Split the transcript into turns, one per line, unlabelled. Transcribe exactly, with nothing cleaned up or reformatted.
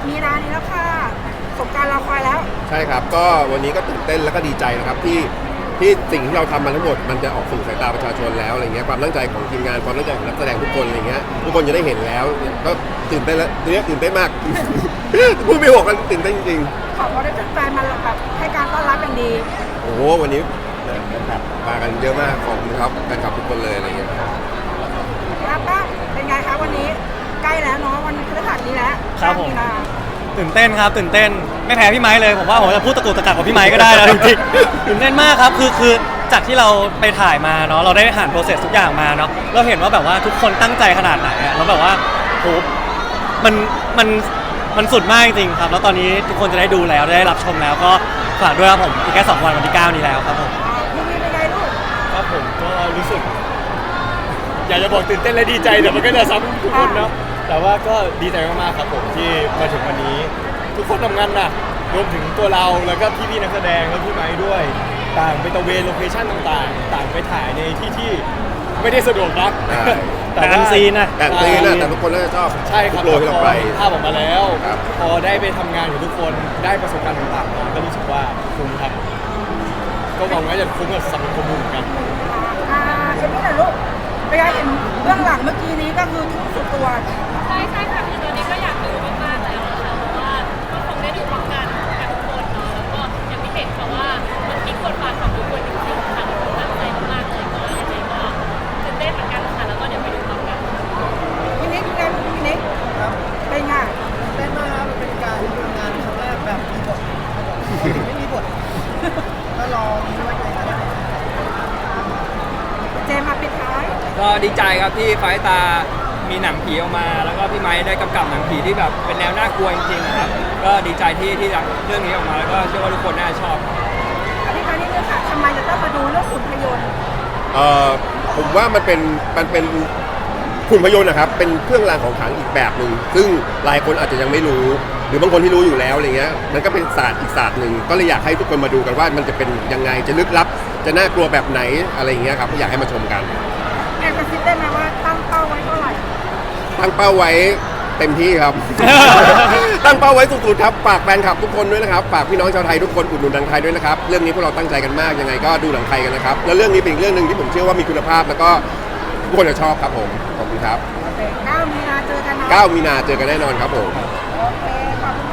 มีนานี้แล้วค่ะสงกรานต์รอคอยแล้ว
ใช่ครับก็วันนี้ก็ตื่นเต้นแล้วก็ดีใจนะครับที่ที่สิ่งที่เราทำมาทั้งหมดมันจะออกสู่สายตาประชาชนแล้วอะไรเงี้ยความตั้งใจของทีมงานความตั้งใจของนักแสดงทุกคนอะไรเงี้ยทุกคนจะได้เห็นแล้วก็ตื่นเต้นแล้วทีนี้ตื่นเต้นมาก พูดไม่หกกันตื่นเต้นจริง
ขอบคุณที่แฟนมาแบบให้การต้อนรับอย่างดี
โอ้โหวันนี้แฟนคลับมากันเยอะมากขอบคุณครับแฟนคลับทุกคนเลยอะไรเงี้ย
ครับป้าเป็นไงคะวันนี้ใกล้แล้วเนาะวันพฤหัสนี้แล้ว
ครับผมตื่นเต้นครับตื่นเต้นไม่แพ้พี่ไม้เลยผมว่าผมจะพูดตะกุกตะกักกับพี่ไม้ก็ได้แล้วจริงๆตื่นเต้นมากครับคือคือจากที่เราไปถ่ายมาเนาะเราได้ผ่านโปรเซสทุกอย่างมาเนาะเราเห็นว่าแบบว่าทุกคนตั้งใจขนาดไหนอะแล้วแบบว่าโหมันมันมันสุดมากจริงๆครับแล้วตอนนี้ทุกคนจะได้ดูแล้วได้รับชมแล้วก็ฝากด้วยครับผมอีกแค่สองวันวันที่เก้านี้แล้วครับผม
พี่มีเป็นไงลูก
ครับผมก็รู้สึกอยากจะบอกตื่นเต้นและดีใจแต่มันก็จะซ้ำทุกคนเนาะแต่ว่าก็ดีใจมากๆครับผมที่มาถึงวันนี้ทุกคนทำงานหนักรวมถึงตัวเราแล้วก็พี่ๆนักแสดงและพี่ไม้ด้วยต่างไปตะเวนโลเคชั่นต่างๆต่างไปถ่ายในที่ที่ไม่ได้สะดวกนักแต่ว่าซีนนะ
แต่ซีนนะแต่ทุกคนน่าจะชอบ
ใช่ครับ
โปรที่เราไป
ภาพออกมาแล้วพอได้ไปทำงานกับทุกคนได้ประสบการณ์ต่างๆก็รู้สึกว่าคุ้มครับก็หวังว่าจะคุ้มกับสังคมเหมือนกัน
อ่าเอ็มนี่แหละลูกไปเห็นเบื้องหลังเมื่อกี้นี้ก็คือทุ่มสุดตัว
ใช่ใช่ค่ะคือตอนนี้ก็อยากดูมากๆแล้วนะคะเพราะว่าก็คงได้ดูพร้อมกันกับทุกคนเนาะแล้วก็อย่างที่เห็นค่ะว่ามันพลิกบทบาทของทุกคนจริงๆค่ะทุกคนตั้งใจมากๆเลยก็ยังไงก็ตื่นเต้นเหมือนกันค่ะแล้วก็เดี๋ยวไปดูพร้อมกัน
พี่นิกพี่นิกพี่นิกครับเป็นไง
เต้นมากครับเป็นการทำงานครั้งแรกแบบมีบทไม่มีบทก็รอมีไว้เลยนะ
เจมมาปิดท้าย
ก็ดีใจครับที่ไฟตามีหนังผีออกมาแล้วก็พี่ไม้ได้กำกับหนังผีที่แบบเป็นแนวน่ากลัวจริงๆนะครับก็ดีใจที่ที่เรื่องนี้ออกมาแล้วก็เชื่อว่าทุกคนน่าจะชอบ
อธิบายนิดนึงค่ะทำไมจะต้องมาดูเรื่องหุ่นพยนต์
เอ่อผมว่ามันเป็นมันเป็นหุ่นพยนต์นะครับเป็นเครื่องรางของขลังอีกแบบหนึ่งซึ่งหลายคนอาจจะยังไม่รู้หรือบางคนที่รู้อยู่แล้วอะไรเงี้ยมันก็เป็นศาสตร์อีกศาสตร์หนึ่งก็เลยอยากให้ทุกคนมาดูกันว่ามันจะเป็นยังไงจะลึกลับจะน่ากลัวแบบไหนอะไรเงี้ยครับอยากให้มาชมกัน
แอบกระซิบได้ไหมว่าตั้งเป้าไว้เท่าไหร่
ตั้งเป้าไว้เต็มที่ครับ ตั้งเป้าไว้สุดๆครับฝากแฟนคลับทุกคนด้วยนะครับฝากพี่น้องชาวไทยทุกคนอุดหนุนหนังไทยด้วยนะครับเรื่องนี้พวกเราตั้งใจกันมากยังไงก็ดูหนังไทยกันนะครับแล้วเรื่องนี้เป็นเรื่องหนึ่งที่ผมเชื่อว่ามีคุณภาพแล้วก็ทุกคนจะชอบครับผมขอบคุณครับ
เก้ามีนาเจอกันนะ
เก้ามีนาเจอกันแน่นอนครับผม
โอเคขอบคุณ